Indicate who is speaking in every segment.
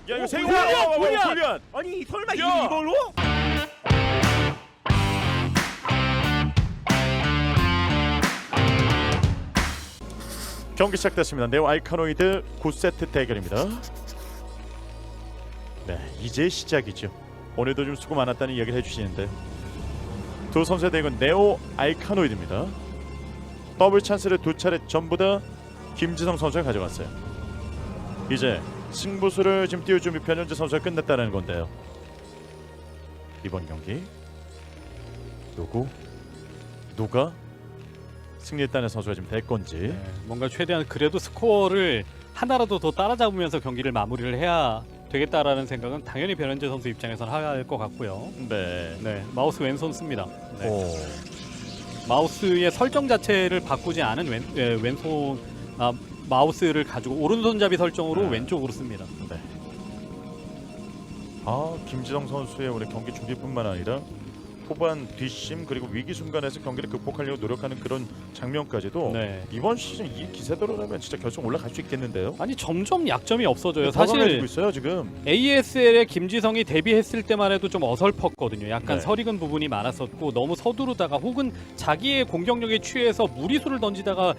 Speaker 1: 야 이거 세고
Speaker 2: 골리앗!
Speaker 3: 아니 설마
Speaker 1: 야!
Speaker 3: 이걸로?
Speaker 1: 경기 시작됐습니다. 네오 알카노이드 9세트 대결입니다. 네, 이제 시작이죠. 오늘도 좀 수고 많았다는 이야기를 해주시는데 두 선수의 대결은 네오 알카노이드입니다. 더블 찬스를 두 차례 전부 다 김지성 선수가 가져갔어요. 이제 승부수를 지금 띄울 준비 변현재 선수가 끝냈다는 건데요. 이번 경기 누가 승리했다는 선수가 지금 될 건지.
Speaker 2: 네, 뭔가 최대한 그래도 스코어를 하나라도 더 따라잡으면서 경기를 마무리를 해야 되겠다라는 생각은 당연히 변현재 선수 입장에서는 할 것 같고요.
Speaker 1: 네.
Speaker 2: 네, 마우스 왼손 씁니다. 네.
Speaker 1: 오.
Speaker 2: 마우스의 설정 자체를 바꾸지 않은 왼손 마우스를 가지고 오른손잡이 설정으로
Speaker 1: 네.
Speaker 2: 왼쪽으로 씁니다.
Speaker 1: 네. 김지성 선수의 오늘 경기 준비뿐만 아니라 후반 뒷심 그리고 위기 순간에서 경기를 극복하려고 노력하는 그런 장면까지도
Speaker 2: 네.
Speaker 1: 이번 시즌 이 기세대로라면 진짜 결승 올라갈 수 있겠는데요.
Speaker 2: 아니 점점 약점이 없어져요.
Speaker 1: 더 강해지고
Speaker 2: 사실
Speaker 1: 있어요 지금.
Speaker 2: ASL에 김지성이 데뷔했을 때만 해도 좀 어설펐거든요. 약간
Speaker 1: 네.
Speaker 2: 설익은 부분이 많았었고 너무 서두르다가 혹은 자기의 공격력에 취해서 무리수를 던지다가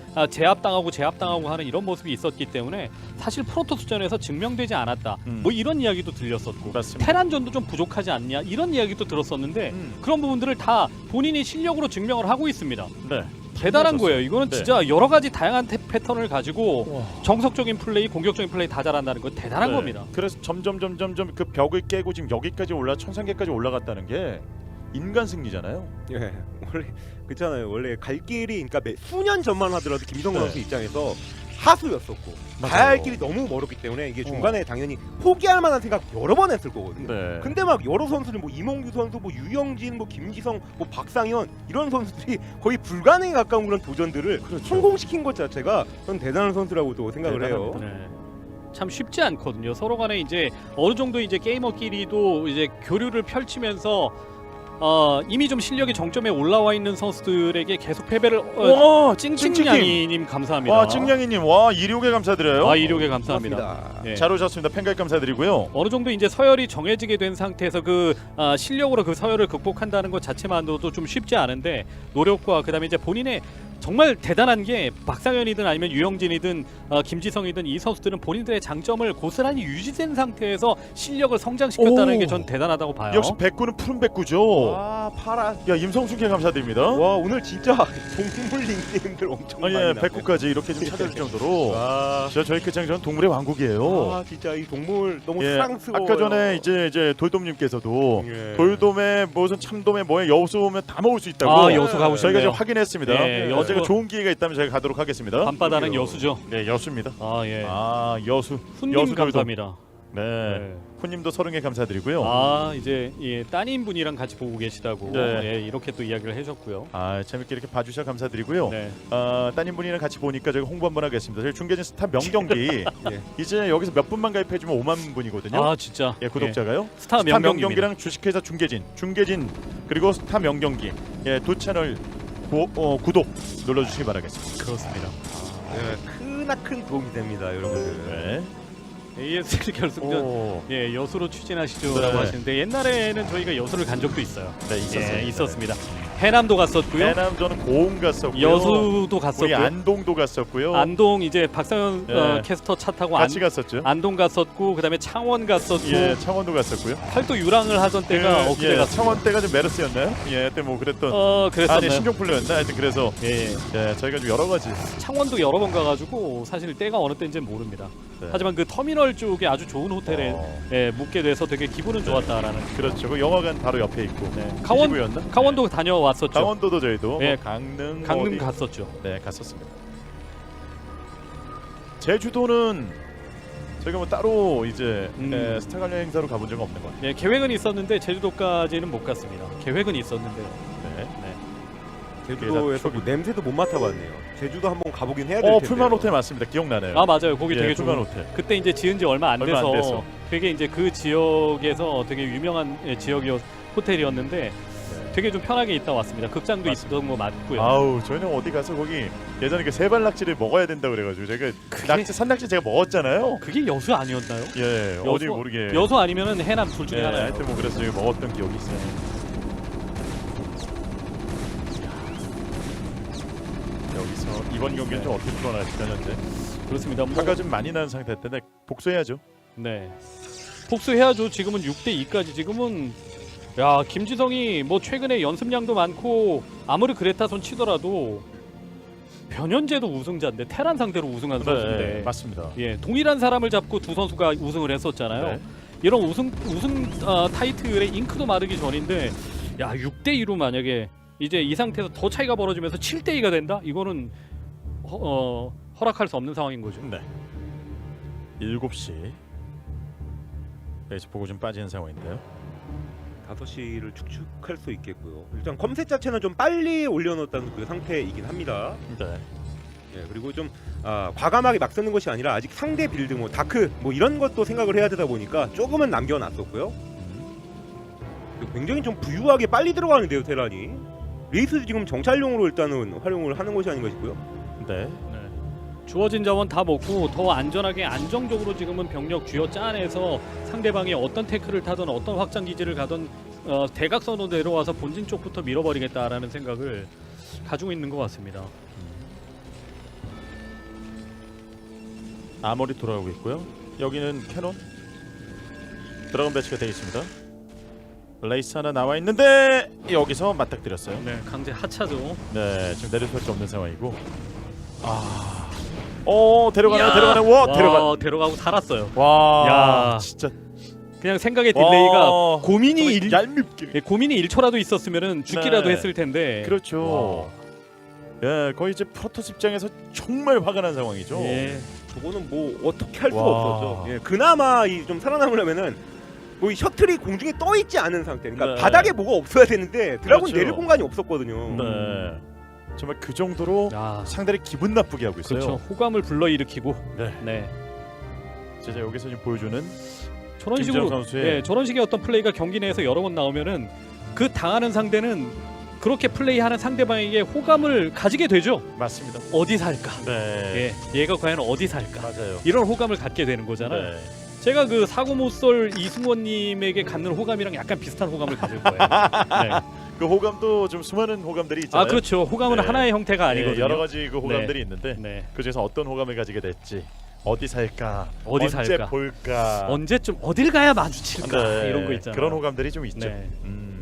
Speaker 2: 제압당하고 하는 이런 모습이 있었기 때문에 사실 프로토스전에서 증명되지 않았다. 뭐 이런 이야기도 들렸었고
Speaker 1: 맞습니다.
Speaker 2: 테란전도 좀 부족하지 않냐 이런 이야기도 들었었는데 그런 부분들을 다 본인이 실력으로 증명을 하고 있습니다.
Speaker 1: 네.
Speaker 2: 대단한 거예요. 이거는
Speaker 1: 네.
Speaker 2: 진짜 여러 가지 다양한 패턴을 가지고
Speaker 1: 와.
Speaker 2: 정석적인 플레이, 공격적인 플레이 다 잘한다는 건 대단한
Speaker 1: 네.
Speaker 2: 겁니다.
Speaker 1: 그래서 점점 그 벽을 깨고 지금 여기까지 천상계까지 올라갔다는 게 인간 승리잖아요.
Speaker 3: 예, 원래 그렇잖아요. 원래 갈 길이 그러니까 수년 전만 하더라도 김지성
Speaker 1: 네.
Speaker 3: 선수 입장에서 하수였었고
Speaker 1: 맞아요.
Speaker 3: 가야 할 길이 너무 멀었기 때문에 이게 중간에 당연히 포기할 만한 생각 여러 번 했을 거거든요.
Speaker 1: 네.
Speaker 3: 근데 막 여러 선수들 뭐 이몽규 선수, 뭐 유영진, 뭐 김지성, 뭐 박상현 이런 선수들이 거의 불가능에 가까운 그런 도전들을
Speaker 1: 그렇죠.
Speaker 3: 성공시킨 것 자체가 전 대단한 선수라고도 생각을 해요.
Speaker 1: 대단합니다.
Speaker 2: 네. 참 쉽지 않거든요. 서로 간에 이제 어느 정도 이제 게이머끼리도 이제 교류를 펼치면서 이미 좀 실력이 정점에 올라와 있는 선수들에게 계속 패배를
Speaker 1: 와,
Speaker 2: 찡찡냥이님 감사합니다.
Speaker 1: 와, 찡냥이님, 와, 이륙에 감사드려요.
Speaker 2: 이륙에 감사합니다.
Speaker 3: 고맙습니다.
Speaker 2: 예.
Speaker 1: 잘 오셨습니다. 팬가입 감사드리고요.
Speaker 2: 어느 정도 이제 서열이 정해지게 된 상태에서 실력으로 그 서열을 극복한다는 것 자체만으로도 좀 쉽지 않은데 노력과 그다음에 이제 본인의 정말 대단한 게 박상현이든 아니면 유영진이든 김지성이든 이 선수들은 본인들의 장점을 고스란히 유지된 상태에서 실력을 성장시켰다는
Speaker 1: 오.
Speaker 2: 게 전 대단하다고 봐요.
Speaker 1: 역시 백구는 푸른 백구죠.
Speaker 3: 와 파라.
Speaker 1: 야, 임성순께 감사드립니다.
Speaker 3: 와 오늘 진짜 동물 닉네임들 엄청 많이
Speaker 1: 예,
Speaker 3: 나왔네.
Speaker 1: 백구까지 이렇게 좀 찾아줄 정도로.
Speaker 3: 와.
Speaker 1: 진짜 저희 끝장전 동물의 왕국이에요.
Speaker 3: 아 진짜 이 동물 너무
Speaker 1: 예,
Speaker 3: 사랑스러워요.
Speaker 1: 아까 전에 이제 돌돔님께서도
Speaker 3: 예.
Speaker 1: 돌돔에 무슨 참돔에 뭐에 여수 오면 다 먹을 수 있다고.
Speaker 2: 여수 가고
Speaker 1: 저희가
Speaker 2: 싶네요.
Speaker 1: 좀 확인했습니다.
Speaker 2: 예,
Speaker 1: 언제가
Speaker 2: 여수.
Speaker 1: 좋은 기회가 있다면 저희가 가도록 하겠습니다.
Speaker 2: 밤바다는
Speaker 3: 그러게요.
Speaker 2: 여수죠.
Speaker 1: 네, 여수입니다.
Speaker 2: 예.
Speaker 1: 여수.
Speaker 2: 훈님
Speaker 1: 여수 돌돔.
Speaker 2: 감사합니다.
Speaker 1: 네.
Speaker 2: 네.
Speaker 1: 훈님도 30개 감사드리고요.
Speaker 2: 이제 따님 분이랑 같이 보고 계시다고
Speaker 1: 네.
Speaker 2: 이렇게 또 이야기를 해줬고요.
Speaker 1: 재밌게 이렇게 봐주셔서 감사드리고요.
Speaker 2: 네.
Speaker 1: 따님분이랑 같이 보니까 저희가 홍보 한번 하겠습니다. 저희 중계진 스타 명경기
Speaker 3: 예.
Speaker 1: 이제 여기서 몇 분만 가입해주면 5만 분이거든요.
Speaker 2: 진짜.
Speaker 1: 예, 구독자가요.
Speaker 2: 스타
Speaker 1: 명경기랑 주식회사 중계진 그리고 스타 명경기 두 채널 구독 눌러주시기 바라겠습니다.
Speaker 2: 그렇습니다.
Speaker 3: 크나큰 도움이 됩니다, 여러분들.
Speaker 1: 네.
Speaker 2: ASL 결승전
Speaker 1: 오.
Speaker 2: 여수로 추진하시죠라고
Speaker 1: 네.
Speaker 2: 하시는데 옛날에는 저희가 여수를 간 적도 있어요.
Speaker 1: 네, 있었어요.
Speaker 2: 있었습니다. 해남도 갔었고요.
Speaker 1: 해남 저는 고흥 갔었고요.
Speaker 2: 여수도
Speaker 1: 우리
Speaker 2: 갔었고요.
Speaker 1: 안동도 갔었고요.
Speaker 2: 안동 이제 박상현
Speaker 1: 네.
Speaker 2: 캐스터 차 타고
Speaker 1: 같이 갔었죠.
Speaker 2: 안동 갔었고 그다음에 창원 갔었고
Speaker 1: 예, 창원도 갔었고요.
Speaker 2: 팔도 유랑을 하던 때가 엊그제 갔습니다.
Speaker 1: 창원 때가 좀 메르스였나요? 예, 그때 뭐 그랬던
Speaker 2: 그랬었나요?
Speaker 1: 아니 신종플루였나? 하여튼 그래서
Speaker 2: 예.
Speaker 1: 저희가 좀 여러 가지
Speaker 2: 창원도 여러 번 가가지고 사실 때가 어느 때인지는 모릅니다.
Speaker 1: 네.
Speaker 2: 하지만 그 터미널 쪽에 아주 좋은 호텔에 묵게 돼서 되게 기분은 좋았다라는.
Speaker 1: 그렇죠. 그 영화관 바로 옆에 있고.
Speaker 2: 네.
Speaker 1: 강원도였나?
Speaker 2: 강원도 다녀왔었죠.
Speaker 1: 강원도도 저희도
Speaker 2: 네.
Speaker 1: 강릉
Speaker 2: 강릉
Speaker 1: 어디?
Speaker 2: 갔었죠.
Speaker 1: 네, 갔었습니다. 제주도는 저희가 뭐 따로 이제 스타 관련 행사로 가본 적은 없는 것 같아요.
Speaker 2: 네, 계획은 있었는데 제주도까지는 못 갔습니다. 계획은 있었는데요.
Speaker 1: 네.
Speaker 3: 제주도에서 뭐 냄새도 못 맡아봤네요. 제주도 한번 가보긴 해야 될 텐데.
Speaker 1: 풀만 호텔 맞습니다. 기억나네요.
Speaker 2: 맞아요. 거기 되게
Speaker 1: 풀만
Speaker 2: 좋은.
Speaker 1: 호텔.
Speaker 2: 그때 이제 지은 지 얼마 안
Speaker 1: 얼마 안
Speaker 2: 돼서
Speaker 1: 돼서.
Speaker 2: 되게 이제 그 지역에서 되게 유명한 지역이었 호텔이었는데 되게 좀 편하게 있다 왔습니다. 극장도
Speaker 1: 맞습니다.
Speaker 2: 있던 거 맞고요.
Speaker 1: 아우 저희는 어디 가서 거기 예전에 그 세발 낙지를 먹어야 된다 그래가지고 제가 낙지 산낙지 제가 먹었잖아요.
Speaker 2: 그게 여수 아니었나요?
Speaker 1: 예 어디 모르게
Speaker 2: 여수 아니면은 해남 둘 중에
Speaker 1: 예,
Speaker 2: 하나예요.
Speaker 1: 하여튼 뭐 그래서 저희 먹었던 기억이 있어요. 여기서 이번 경기는 좀 어떻게 풀어나갈까 현재
Speaker 2: 그렇습니다. 뭐,
Speaker 1: 화가 좀 많이 나는 상태 때문에 복수해야죠.
Speaker 2: 네. 복수해야죠. 지금은 6대 2까지 지금은 야 김지성이 뭐 최근에 연습량도 많고 아무리 그레타 손 치더라도 변현재도 우승자인데 테란 상대로 우승한 선수인데
Speaker 1: 맞습니다.
Speaker 2: 예 동일한 사람을 잡고 두 선수가 우승을 했었잖아요.
Speaker 1: 네.
Speaker 2: 이런 우승 타이틀의 잉크도 마르기 전인데 야 6대 2로 만약에 이제 이 상태에서 더 차이가 벌어지면서 7대 2가 된다? 이거는 허락할 수 없는 상황인 거죠.
Speaker 1: 네. 7시 레이스 보고 좀 빠지는 상황인데요.
Speaker 3: 5시를 축축할 수 있겠고요. 일단 컴셋 자체는 좀 빨리 올려놓았다는 그 상태이긴 합니다.
Speaker 1: 네.
Speaker 3: 예, 그리고 좀 과감하게 막 쓰는 것이 아니라 아직 상대 빌드 뭐 다크 뭐 이런 것도 생각을 해야 되다 보니까 조금은 남겨놨었고요. 굉장히 좀 부유하게 빨리 들어가는데요 테란이. 레이스 지금 정찰용으로 일단은 활용을 하는 것이 아닌가 싶고요.
Speaker 1: 네.
Speaker 2: 네. 주어진 자원 다 먹고 더 안전하게 안정적으로 지금은 병력 쥐어 짜내서 상대방이 어떤 태클을 타든 어떤 확장 기지를 가든 대각선으로 내려와서 본진 쪽부터 밀어버리겠다라는 생각을 가지고 있는 것 같습니다.
Speaker 1: 아머리 돌아오고 있고요. 여기는 캐논 드래곤 배치가 되어 있습니다. 레이스 하나 나와 있는데 여기서 맞닥뜨렸어요.
Speaker 2: 네, 강제 하차죠.
Speaker 1: 네, 지금 내릴 수밖에 없는 상황이고. 데려가네,
Speaker 2: 이야!
Speaker 1: 데려가네. 와, 데려가.
Speaker 2: 데려가고 살았어요.
Speaker 1: 와,
Speaker 2: 야.
Speaker 1: 진짜.
Speaker 2: 그냥 생각의 딜레이가
Speaker 1: 와,
Speaker 2: 고민이
Speaker 1: 정말 얄밉게.
Speaker 2: 예, 고민이 1초라도 있었으면은 죽기라도
Speaker 1: 네.
Speaker 2: 했을 텐데.
Speaker 1: 그렇죠. 예, 거의 이제 프로토스 입장에서 정말 화가 난 상황이죠.
Speaker 2: 예.
Speaker 3: 저거는 뭐 어떻게 할 수가
Speaker 1: 와.
Speaker 3: 없었죠. 예, 그나마 이 좀 살아남으려면은 뭐 이 셔틀이 공중에 떠 있지 않은 상태. 그러니까
Speaker 1: 네.
Speaker 3: 바닥에 뭐가 없어야 되는데 드라곤
Speaker 1: 그렇죠.
Speaker 3: 내릴 공간이 없었거든요.
Speaker 1: 네. 정말 그 정도로
Speaker 2: 야,
Speaker 1: 상대를 기분 나쁘게 하고 있어요.
Speaker 2: 그렇죠. 호감을 불러일으키고.
Speaker 1: 네.
Speaker 2: 네.
Speaker 1: 진짜 여기서 지금 보여주는
Speaker 2: 저런
Speaker 1: 김지영
Speaker 2: 식으로
Speaker 1: 선수의
Speaker 2: 예, 저런 식의 어떤 플레이가 경기 내에서 여러 번 나오면은 그 당하는 상대는 그렇게 플레이하는 상대방에게 호감을 가지게 되죠.
Speaker 1: 맞습니다.
Speaker 2: 어디 살까?
Speaker 1: 네.
Speaker 2: 예, 얘가 과연 어디 살까?
Speaker 1: 맞아요.
Speaker 2: 이런 호감을 갖게 되는 거잖아요.
Speaker 1: 네.
Speaker 2: 제가 그 사고 못쏠 이승원님에게 갖는 호감이랑 약간 비슷한 호감을 가질 거예요. 네.
Speaker 1: 그 호감도 좀 수많은 호감들이 있잖아요.
Speaker 2: 아 그렇죠. 호감은
Speaker 1: 네.
Speaker 2: 하나의 형태가 아니거든요.
Speaker 1: 네, 여러 가지 그 호감들이 있는데
Speaker 2: 네.
Speaker 1: 그중에서 어떤 호감을 가지게 될지 어디 살까,
Speaker 2: 어디
Speaker 1: 언제
Speaker 2: 살까?
Speaker 1: 볼까,
Speaker 2: 언제쯤 어딜 가야 마주칠까
Speaker 1: 네,
Speaker 2: 이런 거 있잖아요.
Speaker 1: 그런 호감들이 좀 있죠.
Speaker 2: 네.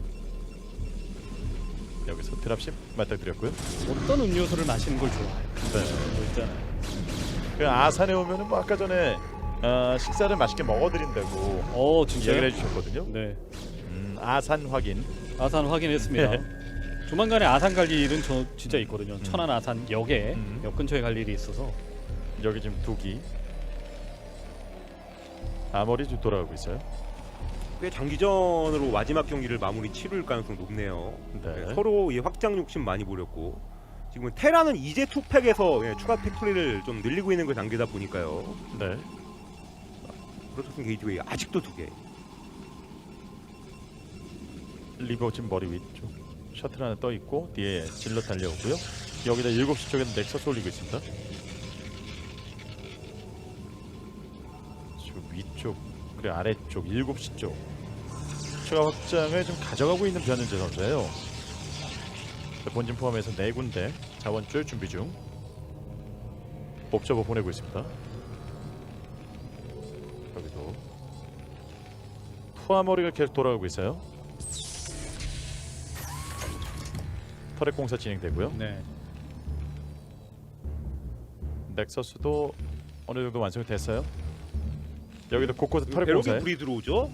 Speaker 1: 여기서 드랍십 맞닥뜨렸고요.
Speaker 2: 어떤 음료수를 마시는 걸 좋아해요.
Speaker 1: 네.
Speaker 2: 뭐 있잖아요.
Speaker 1: 그 아산에 오면은 뭐 아까 전에 식사를 맛있게 먹어드린다고
Speaker 2: 진짜요?
Speaker 1: 이야기를 해주셨거든요.
Speaker 2: 네.
Speaker 1: 아산 확인.
Speaker 2: 아산 확인했습니다.
Speaker 1: 네.
Speaker 2: 조만간에 아산 갈 일은 저 진짜 있거든요. 천안 아산 역에 역 근처에 갈 일이 있어서.
Speaker 1: 여기 지금 두기. 아머리 좀 돌아가고 있어요.
Speaker 3: 꽤 장기전으로 마지막 경기를 마무리 치를 가능성이 높네요.
Speaker 1: 네.
Speaker 3: 네, 서로 이 확장 욕심 많이 부렸고 지금 테라는 이제 투팩에서 추가 팩토리를 좀 늘리고 있는 그 단계다 보니까요.
Speaker 1: 네.
Speaker 3: 프로토스 게이트웨이 아직도 2개.
Speaker 1: 리버 지금 머리 위쪽 셔틀 하나 떠 있고 뒤에 질러 달려오고요. 여기다 7시 쪽에는 넥서스 올리고 있습니다. 지금 위쪽 그리고 아래쪽 7시 쪽 추가 확장을 좀 가져가고 있는 변현재 선수예요. 본진 포함해서 4군데 자원줄 준비 중. 옵저버 보내고 있습니다. 여기도 투하머리가 계속 돌아가고 있어요. 터렛 공사 진행되고요.
Speaker 2: 네.
Speaker 1: 넥서스도 어느 정도 완성이 됐어요. 여기도 곳곳에 터렛
Speaker 3: 배럭이
Speaker 1: 공사에
Speaker 3: 불이 들어오죠?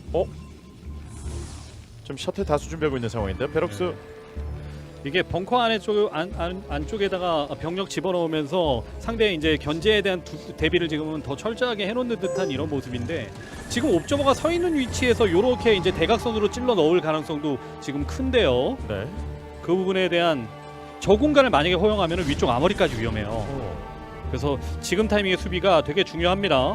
Speaker 1: 좀 셔틀 다수 준비하고 있는 상황인데요. 베럭스
Speaker 2: 이게 벙커 안쪽에다가 병력 집어넣으면서 상대의 이제 견제에 대한 대비를 지금은 더 철저하게 해놓는 듯한 이런 모습인데 지금 옵저버가 서 있는 위치에서 이렇게 이제 대각선으로 찔러 넣을 가능성도 지금 큰데요.
Speaker 1: 네.
Speaker 2: 그 부분에 대한 저 공간을 만약에 허용하면 위쪽 아머리까지 위험해요. 그래서 지금 타이밍의 수비가 되게 중요합니다.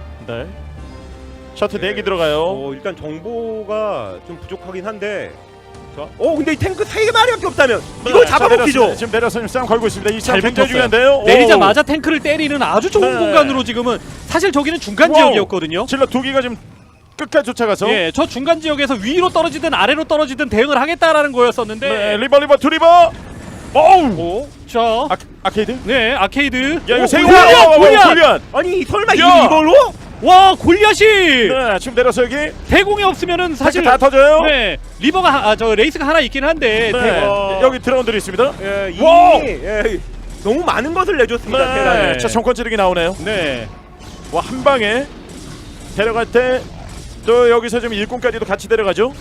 Speaker 1: 네. 셔틀
Speaker 3: 네.
Speaker 1: 4개 들어가요.
Speaker 3: 일단 정보가 좀 부족하긴 한데 자, 근데 이 탱크 3마리밖에 없다면 이거 잡아먹히죠.
Speaker 1: 지금 내려서 지금 싸움 걸고 있습니다. 이
Speaker 2: 잘
Speaker 1: 싸움 굉장히
Speaker 2: 붙었어요.
Speaker 1: 중요한데요.
Speaker 2: 내리자마자 탱크를 때리는 아주 좋은
Speaker 1: 네.
Speaker 2: 공간으로 지금은 사실 저기는 중간
Speaker 1: 와우.
Speaker 2: 지역이었거든요.
Speaker 1: 질러 두 기가 지금 끝까지 쫓아가서
Speaker 2: 예, 저 중간 지역에서 위로 떨어지든 아래로 떨어지든 대응을 하겠다라는 거였었는데.
Speaker 1: 네, 리버 두 리버. 어우.
Speaker 2: 오, 자,
Speaker 1: 아케이드?
Speaker 2: 네, 아케이드.
Speaker 1: 야 이거 세고
Speaker 2: 골리앗!
Speaker 3: 아니 설마
Speaker 1: 야!
Speaker 3: 이걸로?
Speaker 2: 와, 골리앗이
Speaker 1: 네, 지금 내려서 여기
Speaker 2: 대공이 없으면은
Speaker 1: 사실
Speaker 2: 사실
Speaker 1: 다 터져요.
Speaker 2: 네, 리버가 저 레이스가 하나 있긴 한데.
Speaker 1: 네. 여기 드라운들이 있습니다.
Speaker 3: 예, 이미
Speaker 1: 와우!
Speaker 3: 너무 많은 것을 내줬습니다.
Speaker 1: 네.
Speaker 3: 테란이.
Speaker 1: 자, 정권 찌르기 나오네요.
Speaker 2: 네.
Speaker 1: 와, 한 방에 데려갈 때 또 여기서 지금 일꾼까지도 같이 데려가죠.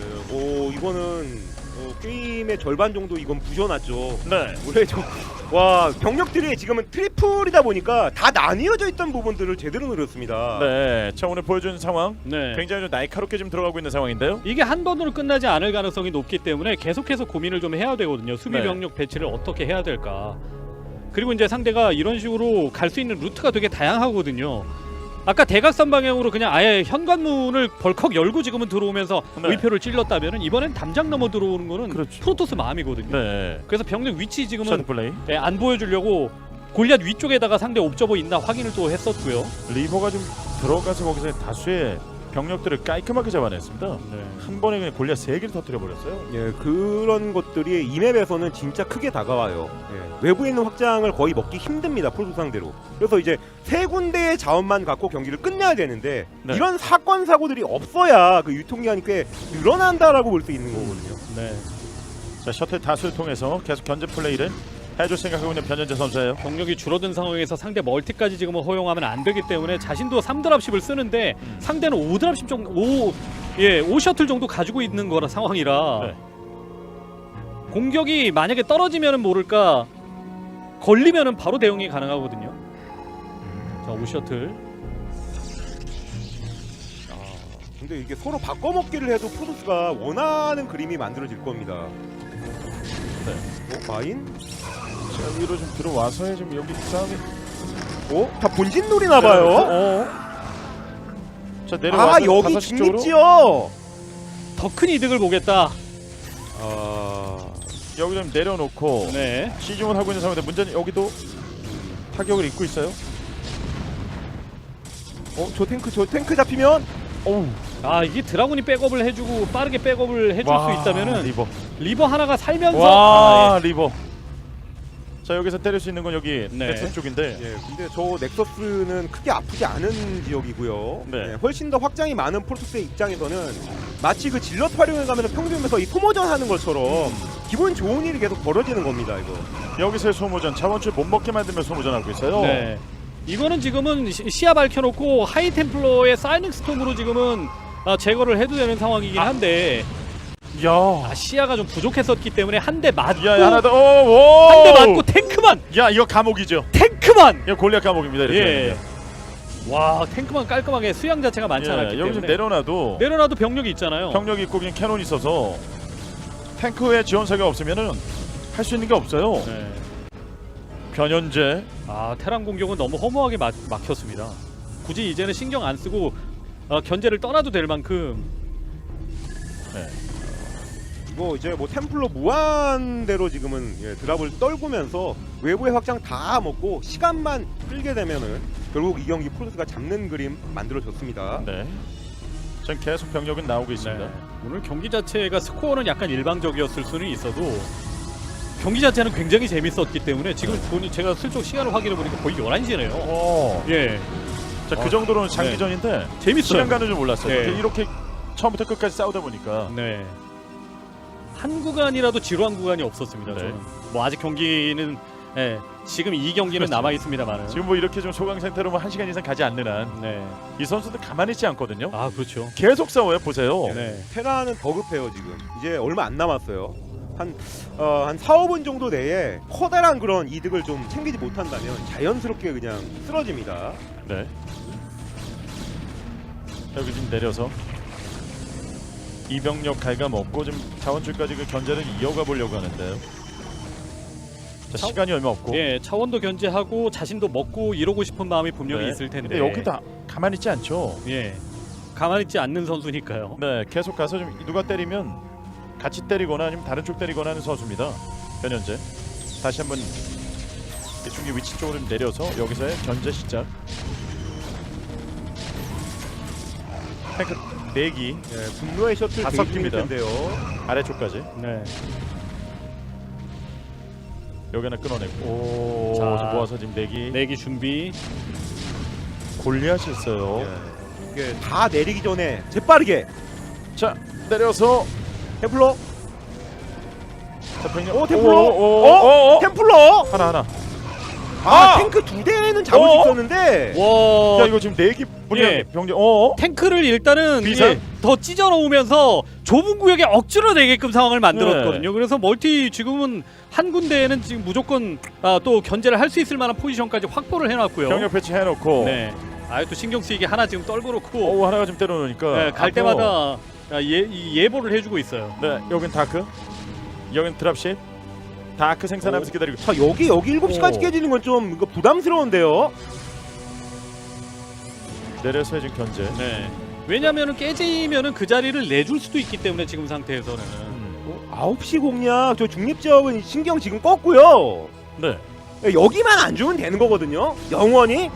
Speaker 3: 이거는 게임의 절반 정도 이건 부셔놨죠.
Speaker 1: 네.
Speaker 3: 원래 와 병력들이 지금은 트리플이다 보니까 다 나뉘어져 있던 부분들을 제대로 노렸습니다.
Speaker 1: 네. 자, 오늘 보여준 상황
Speaker 2: 네.
Speaker 1: 굉장히 좀 날카롭게 지금 들어가고 있는 상황인데요.
Speaker 2: 이게 한 번으로 끝나지 않을 가능성이 높기 때문에 계속해서 고민을 좀 해야 되거든요. 수비
Speaker 1: 네.
Speaker 2: 병력 배치를 어떻게 해야 될까. 그리고 이제 상대가 이런 식으로 갈 수 있는 루트가 되게 다양하거든요. 아까 대각선 방향으로 그냥 아예 현관문을 벌컥 열고 지금은 들어오면서
Speaker 1: 네.
Speaker 2: 의표를 찔렀다면은 이번엔 담장 넘어 들어오는 거는
Speaker 1: 그렇죠.
Speaker 2: 프로토스 마음이거든요.
Speaker 1: 네.
Speaker 2: 그래서 병력 위치 지금은
Speaker 1: 샷 플레이.
Speaker 2: 안 보여주려고 골리앗 위쪽에다가 상대 옵저버 있나 확인을 또 했었고요.
Speaker 1: 리버가 좀 들어가서 거기서 다수의 병력들을 깔끔하게 잡아냈습니다.
Speaker 2: 네.
Speaker 1: 한 번에 그냥 골리앗 3개를 터뜨려 버렸어요.
Speaker 3: 예, 그런 것들이 이 맵에서는 진짜 크게 다가와요. 예, 외부에 있는 확장을 거의 먹기 힘듭니다. 프로토스 상대로. 그래서 이제 세 군데의 자원만 갖고 경기를 끝내야 되는데
Speaker 1: 네.
Speaker 3: 이런 사건 사고들이 없어야 그 유통기한이 꽤 늘어난다라고 볼 수 있는 거거든요.
Speaker 2: 네.
Speaker 1: 자, 셔틀 다수를 통해서 계속 견제 플레이를 해줄 생각하고 있는 변현재 선수예요.
Speaker 2: 병력이 줄어든 상황에서 상대 멀티까지 지금은 허용하면 안 되기 때문에 자신도 3드랍십을 쓰는데 상대는 5드랍십 정도 5셔틀 정도 가지고 있는 거라 상황이라
Speaker 1: 네.
Speaker 2: 공격이 만약에 떨어지면은 모를까 걸리면은 바로 대응이 가능하거든요. 자, 5셔틀.
Speaker 3: 근데 이게 서로 바꿔먹기를 해도 프로토스가 원하는 그림이 만들어질 겁니다.
Speaker 1: 네.
Speaker 3: 마인?
Speaker 1: 자, 위로 좀 들어와서 지금 여기 싸움이.
Speaker 3: 다 본진 노리나 봐요.
Speaker 1: 네. 자, 내려와서
Speaker 3: 여기
Speaker 1: 5시 쪽으로.
Speaker 3: 중립지요.
Speaker 2: 더 큰 이득을 보겠다.
Speaker 1: 여기 좀 내려놓고
Speaker 2: 네.
Speaker 1: 시중을 하고 있는 상황인데 문제는 여기도 타격을 입고 있어요.
Speaker 3: 저 탱크 잡히면
Speaker 2: 아, 이게 드라군이 백업을 해주고 빠르게 백업을 해줄
Speaker 1: 와,
Speaker 2: 수 있다면은
Speaker 1: 리버.
Speaker 2: 리버 하나가 살면서
Speaker 1: 와, 리버. 자, 여기서 때릴 수 있는 건 여기
Speaker 2: 네.
Speaker 1: 넥슨 쪽인데.
Speaker 3: 예, 근데 저 넥서스는 크게 아프지 않은 지역이고요.
Speaker 1: 네.
Speaker 3: 예, 훨씬 더 확장이 많은 프로토스의 입장에서는 마치 그 질럿 활용을 가면 평균에서 이 소모전 하는 것처럼 기분 좋은 일이 계속 벌어지는 겁니다. 이거.
Speaker 1: 여기서의 소모전, 자원줄 못 먹게 만들면 소모전하고 있어요.
Speaker 2: 네. 이거는 지금은 시야 밝혀놓고 하이템플러의 사이닝 스톰으로 지금은 제거를 해도 되는 상황이긴 한데
Speaker 1: 야,
Speaker 2: 시야가 좀 부족했었기 때문에 한 대 맞고
Speaker 1: 야, 하나 더. 오,
Speaker 2: 한 대 맞고 탱크만
Speaker 1: 야, 이거 감옥이죠.
Speaker 2: 탱크만
Speaker 1: 이거 골리앗 감옥입니다. 이렇게.
Speaker 2: 예. 와, 탱크만 깔끔하게 수양 자체가 많지 않았기
Speaker 1: 여기 좀
Speaker 2: 때문에 내려놔도 병력이 있잖아요.
Speaker 1: 병력이 있고 그냥 캐논이 있어서 탱크의 지원사가 없으면은 할 수 있는 게 없어요.
Speaker 2: 네.
Speaker 1: 변현재.
Speaker 2: 테란 공격은 너무 허무하게 막혔습니다. 굳이 이제는 신경 안 쓰고 견제를 떠나도 될 만큼.
Speaker 1: 네.
Speaker 3: 이거 이제 뭐 템플러 무한대로 지금은 드랍을 떨구면서 외부의 확장 다 먹고 시간만 끌게 되면은 결국 이 경기 프로토스가 잡는 그림 만들어졌습니다.
Speaker 1: 네. 전 계속 병력은 나오고 있습니다.
Speaker 2: 네. 오늘 경기 자체가 스코어는 약간 일방적이었을 수는 있어도 경기 자체는 굉장히 재밌었기 때문에 지금 제가 슬쩍 시간을 확인해 보니까 거의 11시네요.
Speaker 1: 오.
Speaker 2: 예.
Speaker 1: 자, 그 정도로는 장기전인데
Speaker 2: 재밌어요.
Speaker 1: 시간 가는 줄 몰랐어요.
Speaker 2: 네.
Speaker 1: 이렇게 처음부터 끝까지 싸우다 보니까.
Speaker 2: 네. 한 구간이라도 지루한 구간이 없었습니다.
Speaker 1: 네.
Speaker 2: 저는. 뭐 아직 경기는 지금 이 경기는
Speaker 1: 그렇죠.
Speaker 2: 남아 있습니다만은.
Speaker 1: 지금 뭐 이렇게 좀 소강 상태로 뭐 1시간 이상 가지 않는 한 이
Speaker 2: 네.
Speaker 1: 선수들 가만히 있지 않거든요.
Speaker 2: 아, 그렇죠.
Speaker 1: 계속 싸워요. 보세요.
Speaker 2: 네.
Speaker 3: 테라는 더 급해요 지금. 이제 얼마 안 남았어요. 한 4, 5분 정도 내에 커다란 그런 이득을 좀 챙기지 못한다면 자연스럽게 그냥 쓰러집니다.
Speaker 1: 네. 여기 좀 내려서 이병력 갉아먹고 좀 자원줄까지 그 견제를 이어가 보려고 하는데요. 자, 시간이 얼마 없고.
Speaker 2: 예, 차원도 견제하고 자신도 먹고 이러고 싶은 마음이 분명히
Speaker 1: 네.
Speaker 2: 있을 텐데.
Speaker 1: 근데 여기 다 가만히 있지 않죠.
Speaker 2: 예. 가만히 있지 않는 선수니까요.
Speaker 1: 네, 계속 가서 좀 누가 때리면 같이 때리거나 아니면 다른 쪽 때리거나 하는 선수입니다. 변현재 다시 한번 중기 위치 쪽으로 좀 내려서 여기서의 견제 시작. 탱크 4기
Speaker 3: 예, 분노의 셔틀
Speaker 1: 다
Speaker 3: 대기 중일
Speaker 1: 섞입니다.
Speaker 3: 텐데요.
Speaker 1: 아래쪽까지
Speaker 2: 네.
Speaker 1: 여기 하나 끊어내고 오,
Speaker 2: 자,
Speaker 1: 지금 모아서 지금 4기
Speaker 2: 내기 준비.
Speaker 1: 골리앗이 있어요.
Speaker 3: 예, 이게 다 내리기 전에 재빠르게
Speaker 1: 자 내려서
Speaker 3: 템플러.
Speaker 1: 자 병력
Speaker 3: 오 템플러.
Speaker 1: 오,
Speaker 3: 템플러.
Speaker 1: 하나
Speaker 3: 아, 탱크 2대는 잡을 수 있었는데.
Speaker 2: 와.
Speaker 1: 야 이거 지금 4기
Speaker 2: 예.
Speaker 1: 병력
Speaker 2: 탱크를 일단은
Speaker 1: 비상?
Speaker 2: 예, 더 찢어 놓으면서 좁은 구역에 억지로 내게끔 상황을 만들었거든요. 그래서 멀티 지금은 한 군데에는 지금 무조건 또 견제를 할 수 있을 만한 포지션까지 확보를 해놨고요.
Speaker 1: 병력 배치 해놓고
Speaker 2: 네. 아유 또 신경 쓰이게 하나 지금 떨고 놓고
Speaker 1: 오 하나가 좀 때려놓으니까
Speaker 2: 네, 갈
Speaker 1: 앞으로.
Speaker 2: 때마다 예보를 해주고 있어요.
Speaker 1: 네 여긴 다크 여긴 드랍십 다크 생산하면서 기다리고
Speaker 3: 자 여기 7시까지
Speaker 1: 오.
Speaker 3: 깨지는 건 좀 이거 부담스러운데요.
Speaker 1: 내려서 지금 견제.
Speaker 2: 네. 왜냐면은 깨지면은 그 자리를 내줄 수도 있기 때문에 지금 상태에서는
Speaker 3: 9시 공략 저 중립지역은 신경 지금 껐고요.
Speaker 1: 네.
Speaker 3: 여기만 안 주면 되는 거거든요. 영원히.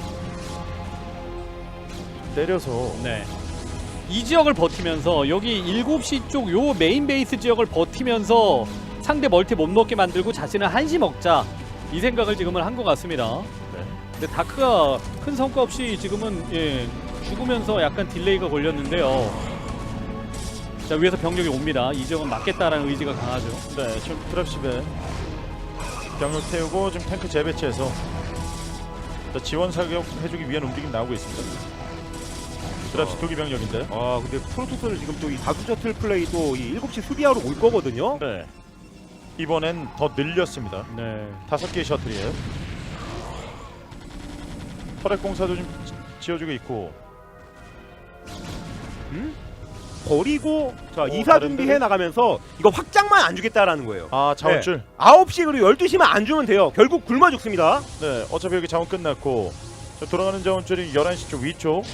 Speaker 1: 내려서
Speaker 2: 네. 이 지역을 버티면서 여기 7시 쪽 요 메인 베이스 지역을 버티면서 상대 멀티 못 먹게 만들고 자신은 한시 먹자 이 생각을 지금은 한 것 같습니다.
Speaker 1: 네.
Speaker 2: 근데 다크가 큰 성과 없이 지금은 죽으면서 약간 딜레이가 걸렸는데요. 자 위에서 병력이 옵니다. 이 지역은 막겠다라는 의지가 강하죠.
Speaker 1: 네 지금 드랍십에 병력 태우고 지금 탱크 재배치해서 자, 지원 사격 해주기 위한 움직임 나오고 있습니다. 드랍십 2기 병력인데.
Speaker 3: 아 근데 프로토스는 지금 또 이 다수 셔틀 플레이 또 이 7시 수비하러 올 거거든요.
Speaker 1: 네. 이번엔 더 늘렸습니다.
Speaker 2: 네.
Speaker 1: 5개의 셔틀이에요. 터렛 공사도 좀 지어주고 있고.
Speaker 3: 버리고 자 이사
Speaker 1: 다른
Speaker 3: 준비해
Speaker 1: 데는?
Speaker 3: 나가면서 이거 확장만 안 주겠다라는 거예요.
Speaker 1: 아 자원줄.
Speaker 3: 9시 그리고 12시만 안 주면 돼요. 결국 굶어 죽습니다.
Speaker 1: 네. 어차피 여기 자원 끝났고 자, 돌아가는 자원줄이 11시 쪽 위쪽.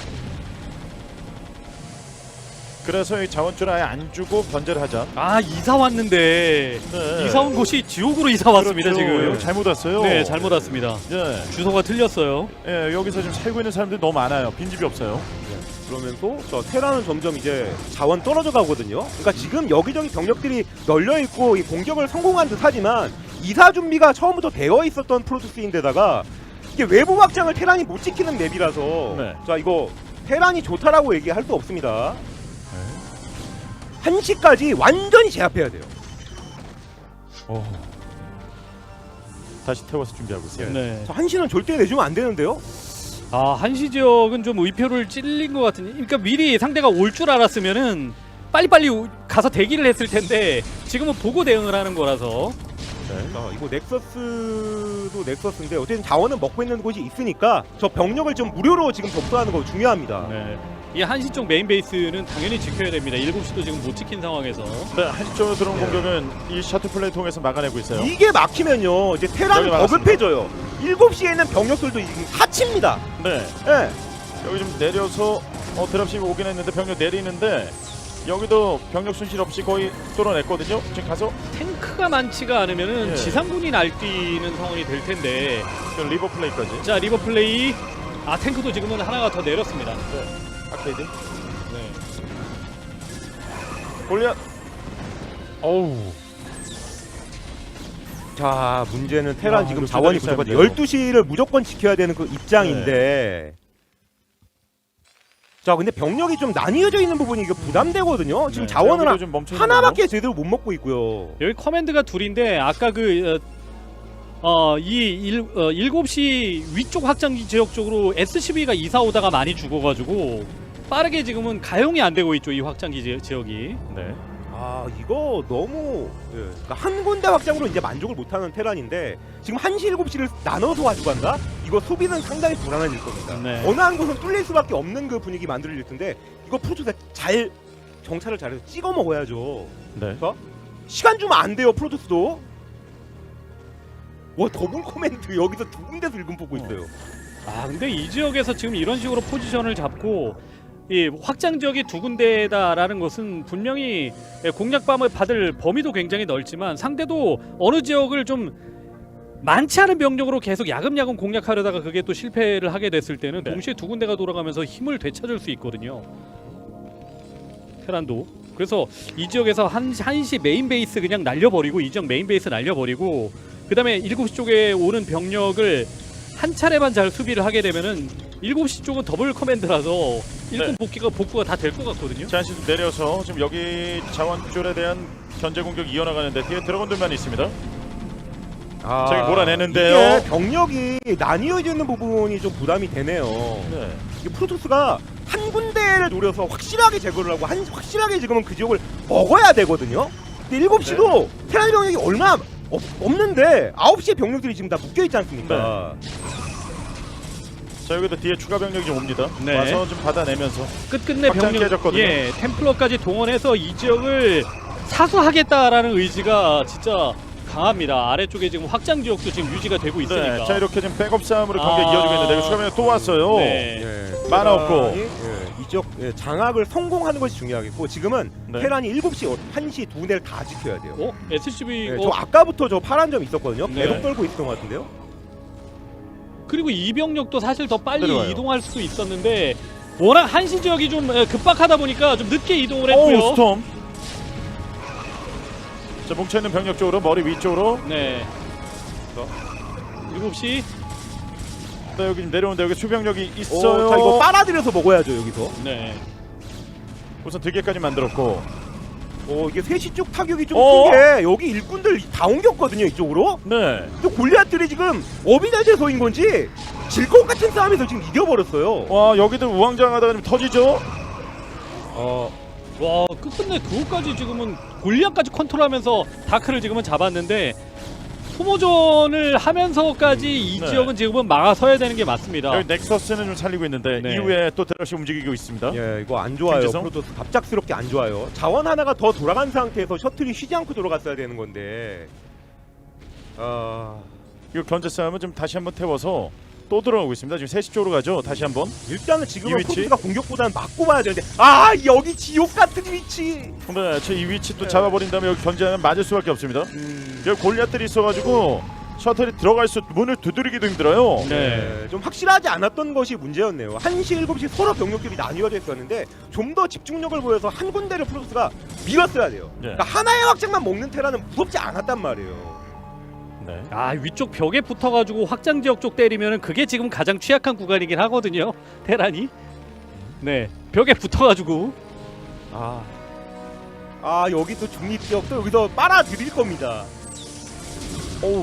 Speaker 1: 그래서 이 자원줄 아예 안 주고 견제를 하자.
Speaker 2: 아 이사 왔는데
Speaker 1: 네.
Speaker 2: 이사 온 곳이 지옥으로 이사 왔습니다.
Speaker 1: 그렇죠.
Speaker 2: 지금.
Speaker 1: 여기 잘못 왔어요.
Speaker 2: 네 잘못 왔습니다.
Speaker 1: 네.
Speaker 2: 주소가 틀렸어요.
Speaker 1: 예, 여기서 지금 살고 있는 사람들이 너무 많아요. 빈집이 없어요.
Speaker 3: 그러면서 저 테라는 점점 이제 자원 떨어져 가거든요. 그러니까 지금 여기저기 병력들이 널려 있고 이 공격을 성공한 듯하지만 이사 준비가 처음부터 되어 있었던 프로토스인데다가 이게 외부 확장을 테란이 못 지키는 맵이라서
Speaker 1: 네.
Speaker 3: 자 이거 테란이 좋다라고 얘기할 수 없습니다. 1시까지 완전히 제압해야 돼요.
Speaker 1: 다시 태워서 준비하고 있어요.
Speaker 2: 네.
Speaker 3: 자 1시는 절대 내주면 안 되는데요.
Speaker 2: 아 한시 지역은 좀 의표를 찔린 것 같은. 그러니까 미리 상대가 올 줄 알았으면은 빨리빨리 가서 대기를 했을 텐데 지금은 보고 대응을 하는 거라서.
Speaker 1: 네.
Speaker 3: 자 이거 넥서스도 넥서스인데 어쨌든 자원은 먹고 있는 곳이 있으니까 저 병력을 좀 무료로 지금 접수하는 거 중요합니다.
Speaker 2: 네. 이 한시 쪽 메인 베이스는 당연히 지켜야 됩니다. 7시도 지금 못 지킨 상황에서.
Speaker 1: 네, 한쪽으로 들어온 공격은 이 셔틀 플레이 통해서 막아내고 있어요.
Speaker 3: 이게 막히면요 이제 테란은
Speaker 1: 여기 막았습니다.
Speaker 3: 버급해져요. 7시에는 병력들도 지금 사치입니다.
Speaker 1: 네,
Speaker 3: 예.
Speaker 1: 여기 좀 내려서 드랍십이 오긴 했는데 병력 내리는데 여기도 병력 손실 없이 거의 뚫어냈거든요. 지금 가서
Speaker 2: 탱크가 많지가 않으면은
Speaker 1: 예.
Speaker 2: 지상군이 날뛰는 상황이 될 텐데.
Speaker 1: 리버 플레이까지.
Speaker 2: 자 리버 플레이. 아 탱크도 지금은 하나가 더 내렸습니다.
Speaker 1: 네, 아케이드.
Speaker 2: 네.
Speaker 1: 골리앗. 어우.
Speaker 3: 자 문제는 테란
Speaker 1: 야,
Speaker 3: 지금
Speaker 1: 이거
Speaker 3: 자원이
Speaker 1: 기다리셔야
Speaker 3: 부족하죠.
Speaker 1: 돼요.
Speaker 3: 12시를 무조건 지켜야 되는 그 입장인데 자 근데 병력이 좀 나뉘어져 있는 부분이 이게 부담되거든요. 지금
Speaker 1: 네,
Speaker 3: 자원을
Speaker 1: 여기도 좀 멈춰 있는
Speaker 3: 하나밖에 제대로 못 먹고 있고요.
Speaker 2: 여기 커맨드가 둘인데 아까 이 7시 위쪽 확장기 지역 쪽으로 SCV가 이사 오다가 많이 죽어가지고 빠르게 지금은 가용이 안 되고 있죠. 이 확장기 지역이.
Speaker 1: 네.
Speaker 3: 아 이거 너무 그러니까 한 군데 확장으로 이제 만족을 못하는 테란인데 지금 1시 7시를 나눠서 가져간다? 이거 수비는 상당히 불안해질 겁니다.
Speaker 2: 네.
Speaker 3: 어느 한 곳은 뚫릴 수밖에 없는 그 분위기 만들어질 텐데 이거 프로토스가 잘 정찰을 잘해서 찍어 먹어야죠.
Speaker 1: 네.
Speaker 3: 시간 주면 안 돼요 프로토스도. 와 더블 코멘트 여기서 두 군데서 일금 보고 있어요.
Speaker 2: 아 근데 이 지역에서 지금 이런 식으로 포지션을 잡고 이 확장 지역이 두 군데다라는 것은 분명히 공략방을 받을 범위도 굉장히 넓지만 상대도 어느 지역을 좀 많지 않은 병력으로 계속 야금야금 공략하려다가 그게 또 실패를 하게 됐을 때는
Speaker 1: 네.
Speaker 2: 동시에 두 군데가 돌아가면서 힘을 되찾을 수 있거든요. 테란도. 그래서 이 지역에서 한시 메인 베이스 그냥 날려버리고 이 지역 메인 베이스 날려버리고 그 다음에 7시 쪽에 오는 병력을 한 차례만 잘 수비를 하게 되면은 7시 쪽은 더블 커맨드라서 일꾼 복구가 다 될 것 같거든요.
Speaker 1: 잔시 내려서 지금 여기 자원줄에 대한 견제 공격 이어나가는데 뒤에 드래곤들만 있습니다. 저기 몰아내는데요.
Speaker 3: 이게 병력이 나뉘어져 있는 부분이 좀 부담이 되네요.
Speaker 1: 네.
Speaker 3: 이게 프로토스가 한 군데를 노려서 확실하게 제거를 하고 확실하게 지금은 그 지역을 먹어야 되거든요. 근데 7시도 테란 병력이 얼마 없는데 9시에 병력들이 지금 다 묶여있지 않습니까?
Speaker 1: 자 여기도 뒤에 추가 병력이 좀 옵니다.
Speaker 2: 네.
Speaker 1: 와서 좀 받아내면서
Speaker 2: 끝끝내
Speaker 1: 확장
Speaker 2: 병력
Speaker 1: 깨졌거든요.
Speaker 2: 예, 템플러까지 동원해서 이 지역을 사수하겠다라는 의지가 진짜 강합니다. 아래쪽에 지금 확장 지역도 지금 유지가 되고 있으니까.
Speaker 1: 네. 자 이렇게 지금 백업 싸움으로 경기가 이어지고 있는데 여기 추가 병력 또 왔어요.
Speaker 2: 네.
Speaker 3: 예,
Speaker 1: 만화 없고.
Speaker 3: 이 지역 장악을 성공하는 것이 중요하겠고 지금은
Speaker 1: 네.
Speaker 3: 테란이 7시, 1시 두 군데를 다 지켜야 돼요.
Speaker 2: 어? SCV
Speaker 3: 저 아까부터 저 파란 점 있었거든요.
Speaker 2: 네.
Speaker 3: 계속 떨고 있었던 것 같은데요.
Speaker 2: 그리고 이 병력도 사실 더 빨리
Speaker 1: 내려와요.
Speaker 2: 이동할 수도 있었는데 워낙 한시 지역이 좀 급박하다 보니까 좀 늦게 이동을
Speaker 1: 오
Speaker 2: 했고요.
Speaker 1: 스톰. 자 뭉쳐있는 병력 쪽으로 머리 위쪽으로.
Speaker 2: 네. 7시.
Speaker 1: 네, 여기 지금 내려오는데 여기 수병력이 있어요.
Speaker 3: 자 이거 빨아들여서 먹어야죠 여기서.
Speaker 2: 네.
Speaker 1: 우선 2개까지 만들었고.
Speaker 3: 이게 3시 쪽 타격이 좀
Speaker 1: 어?
Speaker 3: 큰 게 여기 일꾼들 다 옮겼거든요 이쪽으로.
Speaker 1: 네.
Speaker 3: 또 골리앗들이 지금 업이 잘 돼서인 건지 질 것 같은 싸움에서 지금 이겨버렸어요.
Speaker 1: 와 여기들 우왕좌왕하다가 좀 터지죠.
Speaker 2: 와 끝끝내 그것까지 지금은 골리앗까지 컨트롤하면서 다크를 지금은 잡았는데 소모전을 하면서까지 이
Speaker 1: 네.
Speaker 2: 지역은 지금은 막아서야 되는 게 맞습니다.
Speaker 1: 여기 넥서스는 좀 살리고 있는데
Speaker 2: 네.
Speaker 1: 이후에 또 드러시 움직이고 있습니다.
Speaker 3: 예, 이거 안 좋아요.
Speaker 1: 김지성?
Speaker 3: 프로토스 갑작스럽게 안 좋아요. 자원 하나가 더 돌아간 상태에서 셔틀이 쉬지 않고 돌아갔어야 되는 건데.
Speaker 1: 이거 견제 싸움은 좀 다시 한번 태워서 또 들어가고 있습니다. 지금 3시 쪽으로 가죠. 다시 한번.
Speaker 3: 일단은
Speaker 1: 이
Speaker 3: 지금은
Speaker 1: 위치?
Speaker 3: 프로토스가 공격보다는 막고 봐야 되는데 여기 지옥 같은 위치.
Speaker 1: 네, 이 위치 또
Speaker 3: 네.
Speaker 1: 잡아버린 다음에 여기 견제하면 맞을 수밖에 없습니다. 여기 골리앗들이 있어가지고 셔틀이 들어갈 수 문을 두드리기도 힘들어요.
Speaker 2: 네.
Speaker 3: 좀 확실하지 않았던 것이 문제였네요. 1시, 7시 서로 병력들이 나뉘어져 있었는데 좀 더 집중력을 보여서 한 군데를 프로토스가 밀었어야 돼요.
Speaker 1: 네.
Speaker 3: 그러니까 하나의 확장만 먹는 테라는 무섭지 않았단 말이에요.
Speaker 1: 네.
Speaker 2: 아 위쪽 벽에 붙어가지고 확장 지역 쪽 때리면은 그게 지금 가장 취약한 구간이긴 하거든요. 테란이. 네. 벽에 붙어가지고.
Speaker 3: 여기 또 중립지역도 여기서 빨아들일 겁니다.
Speaker 1: 오우.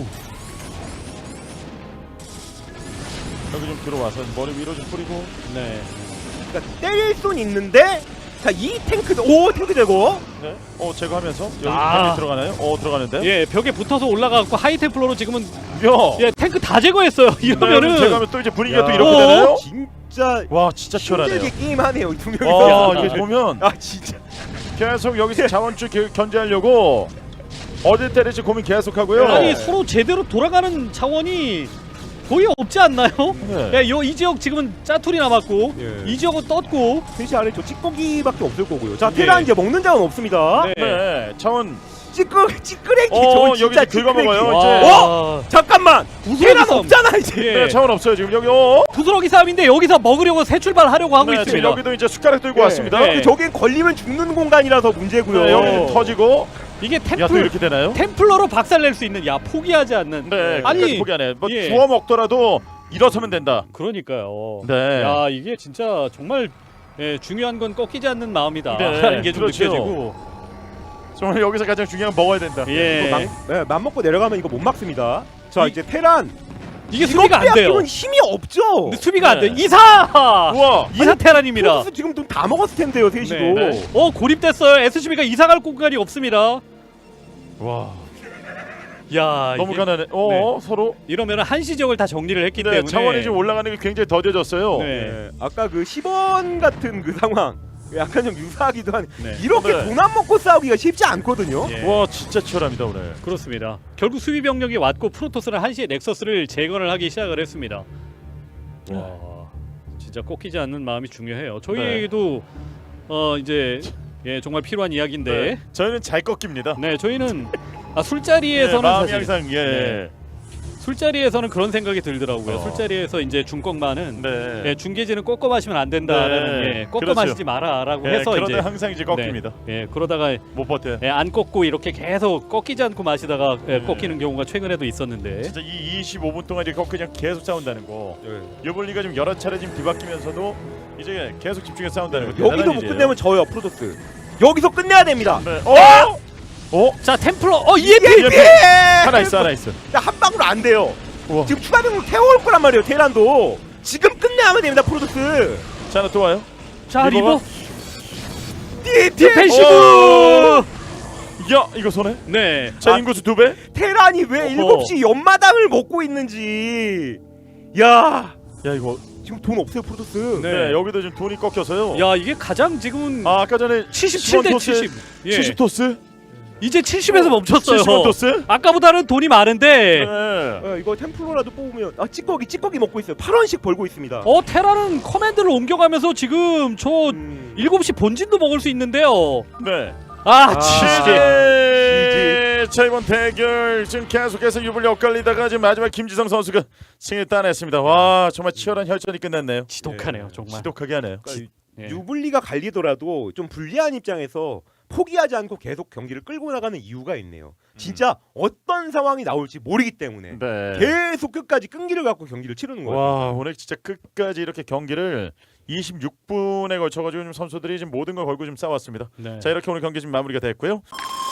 Speaker 1: 여기 좀 들어와서 머리 위로 좀 뿌리고.
Speaker 2: 네.
Speaker 3: 그러니까 때릴 순 있는데 자 이 탱크 탱크 제거.
Speaker 1: 네. 제거하면서 여기
Speaker 2: 아.
Speaker 1: 템이 들어가나요? 들어가는데.
Speaker 2: 예, 벽에 붙어서 올라가고 하이템플러로 지금은
Speaker 1: 야.
Speaker 2: 예 탱크 다 제거했어요. 이러면은
Speaker 1: 제거하면 또 이제 분위기가 또
Speaker 3: 야.
Speaker 1: 이렇게 되나요?
Speaker 3: 진짜
Speaker 1: 와 진짜 치열하네요.
Speaker 3: 힘들게 게임하네요 이 두 명이서.
Speaker 1: 이게 보면
Speaker 3: 진짜.
Speaker 1: 계속 여기서 자원줄 견제하려고 어딜 때릴지 고민 계속하고요.
Speaker 2: 아니 서로 제대로 돌아가는 자원이 거의 없지 않나요?
Speaker 1: 네.
Speaker 2: 야, 이 지역 지금은 짜투리 남았고
Speaker 3: 예.
Speaker 2: 이 지역은 떴고.
Speaker 3: 펜시 아래 저 찌꺼기밖에 없을 거고요. 자
Speaker 2: 예.
Speaker 3: 테란 이제 먹는 자원 없습니다.
Speaker 2: 네.
Speaker 1: 네. 자원.
Speaker 3: 찌끄레기 저거 진짜
Speaker 1: 여기 긁어먹어요.
Speaker 3: 찌끄레기.
Speaker 1: 이제.
Speaker 3: 잠깐만 테란
Speaker 2: 싸움.
Speaker 3: 없잖아 이제.
Speaker 2: 예.
Speaker 1: 네, 자원 없어요 지금 여기.
Speaker 2: 부스러기 싸움인데 여기서 먹으려고 새 출발하려고 하고
Speaker 1: 네, 지금
Speaker 2: 있습니다.
Speaker 1: 여기도 이제 숟가락 들고
Speaker 3: 네.
Speaker 1: 왔습니다.
Speaker 2: 네.
Speaker 3: 저긴 걸리면 죽는 공간이라서 문제고요.
Speaker 1: 네, 여기 터지고.
Speaker 2: 이게
Speaker 1: 야 또 이렇게 되나요?
Speaker 2: 템플러로 박살낼 수 있는 포기하지 않는.
Speaker 1: 네.
Speaker 2: 아니,
Speaker 1: 아니 포기 안 해. 뭐
Speaker 2: 예.
Speaker 1: 주워 먹더라도 일어서면 된다.
Speaker 2: 그러니까요.
Speaker 1: 네.
Speaker 2: 야 이게 진짜 정말 중요한 건 꺾이지 않는 마음이다.
Speaker 1: 네,
Speaker 2: 라는 게 좀
Speaker 1: 그렇죠.
Speaker 2: 느껴지고.
Speaker 1: 정말 여기서 가장 중요한 건 먹어야 된다.
Speaker 2: 예.
Speaker 3: 맘 먹고 내려가면 이거 못 막습니다. 자
Speaker 2: 이-
Speaker 3: 이제 테란
Speaker 2: 이게 수비가 안 돼요.
Speaker 3: 빼앗기면 힘이 없죠.
Speaker 2: 근데 수비가 안
Speaker 1: 네.
Speaker 2: 돼. 이사!
Speaker 1: 우와.
Speaker 2: 이사 테란입니다.
Speaker 3: 프로토스 지금 돈 다 먹었을 텐데요, 셋이도.
Speaker 2: 네. 고립됐어요. SCB가 이사 갈 공간이 없습니다.
Speaker 1: 와.
Speaker 2: 야,
Speaker 1: 너무
Speaker 2: 이게
Speaker 1: 가난해. 서로.
Speaker 2: 이러면 한시 지역을 다 정리를 했기
Speaker 1: 네,
Speaker 2: 때문에
Speaker 1: 자원이 지금 올라가는 게 굉장히 더뎌졌어요.
Speaker 2: 네.
Speaker 3: 네. 아까 그 10원 같은 그 상황 약간 좀 유사하기도 한.
Speaker 2: 네.
Speaker 3: 이렇게
Speaker 1: 네.
Speaker 3: 돈 안 먹고 싸우기가 쉽지 않거든요.
Speaker 2: 예.
Speaker 1: 와 진짜 치열합니다 오늘.
Speaker 2: 그렇습니다. 결국 수비 병력이 왔고 프로토스는 한시에 넥서스를 재건을 하기 시작을 했습니다. 와, 진짜 진짜 꺾이지 않는 마음이 중요해요. 저희에게도 이제 정말 필요한 이야기인데.
Speaker 1: 네. 저희는 잘 꺾입니다.
Speaker 2: 네, 저희는
Speaker 1: 예,
Speaker 2: 술자리에서는
Speaker 1: 마음이
Speaker 2: 사실
Speaker 1: 항상
Speaker 2: 네. 술자리에서는 그런 생각이 들더라고요.
Speaker 1: 어.
Speaker 2: 술자리에서 이제 중꺾만은
Speaker 1: 네.
Speaker 2: 중계진은 꺾어 마시면 안 된다라는
Speaker 1: 네.
Speaker 2: 꺾어
Speaker 1: 그렇죠.
Speaker 2: 마시지 마라라고
Speaker 1: 예,
Speaker 2: 해서
Speaker 1: 그러다
Speaker 2: 이제
Speaker 1: 항상 이제 꺾입니다.
Speaker 2: 그러다가
Speaker 1: 못 버텨.
Speaker 2: 안 꺾고 이렇게 계속 꺾이지 않고 마시다가
Speaker 1: 네.
Speaker 2: 꺾이는 경우가 최근에도 있었는데.
Speaker 1: 진짜 이 25분 동안 이렇게 그냥 계속 싸운다는 거.
Speaker 3: 예.
Speaker 1: 유블리가 지금 여러 차례 지금 뒤바뀌면서도 이제 계속 집중해서 싸운다는 거.
Speaker 3: 여기도
Speaker 1: 대단한
Speaker 3: 못
Speaker 1: 일이에요.
Speaker 3: 끝내면 져요 프로토스. 여기서 끝내야 됩니다.
Speaker 1: 네.
Speaker 2: 자 템플러 EMP
Speaker 1: EMP! 하나 있어.
Speaker 3: 한 방울 안 돼요.
Speaker 1: 우와.
Speaker 3: 지금 추가 병력 태워올 거란 말이에요. 테란도 지금 끝내야만 됩니다. 프로토스.
Speaker 1: 자, 하나 또 와요.
Speaker 2: 자 리버
Speaker 3: 디펜시브.
Speaker 1: 야, 이거 손해?
Speaker 2: 네.
Speaker 1: 자, 인구수 2배?
Speaker 3: 테란이 왜
Speaker 2: 어허.
Speaker 3: 7시 연마당을 먹고 있는지. 야,
Speaker 1: 야, 이거.
Speaker 3: 지금 돈 없어요 프로토스.
Speaker 1: 네, 여기도 지금 돈이 꺾여서요.
Speaker 2: 야 이게 가장 지금은
Speaker 1: 아까 전에
Speaker 2: 77대
Speaker 1: 10원
Speaker 2: 70. 예.
Speaker 1: 70 토스?
Speaker 2: 이제 70에서 멈췄어요.
Speaker 1: 70원 토스?
Speaker 2: 아까보다는 돈이 많은데
Speaker 1: 네.
Speaker 3: 이거 템플러라도 뽑으면 찌꺼기 먹고 있어요. 8원씩 벌고 있습니다.
Speaker 2: 테라는 커맨드를 옮겨가면서 지금 저 7시 본진도 먹을 수 있는데요.
Speaker 1: 네.
Speaker 2: 치즈.
Speaker 1: 자, 이번 대결 지금 계속해서 유불리 엇갈리다가 지금 마지막 김지성 선수가 승리 따냈습니다. 와, 정말 치열한 혈전이 끝났네요.
Speaker 2: 지독하네요, 정말.
Speaker 1: 지독하게 하네요.
Speaker 2: 예.
Speaker 3: 유불리가 갈리더라도 좀 불리한 입장에서 포기하지 않고 계속 경기를 끌고 나가는 이유가 있네요. 진짜 어떤 상황이 나올지 모르기 때문에
Speaker 1: 네.
Speaker 3: 계속 끝까지 끈기를 갖고 경기를 치르는 거예요.
Speaker 1: 와, 오늘 진짜 끝까지 이렇게 경기를 26분에 걸쳐가지고 지금 선수들이 지금 모든 걸 걸고 좀 싸웠습니다.
Speaker 2: 네.
Speaker 1: 자, 이렇게 오늘 경기 지금 마무리가 됐고요.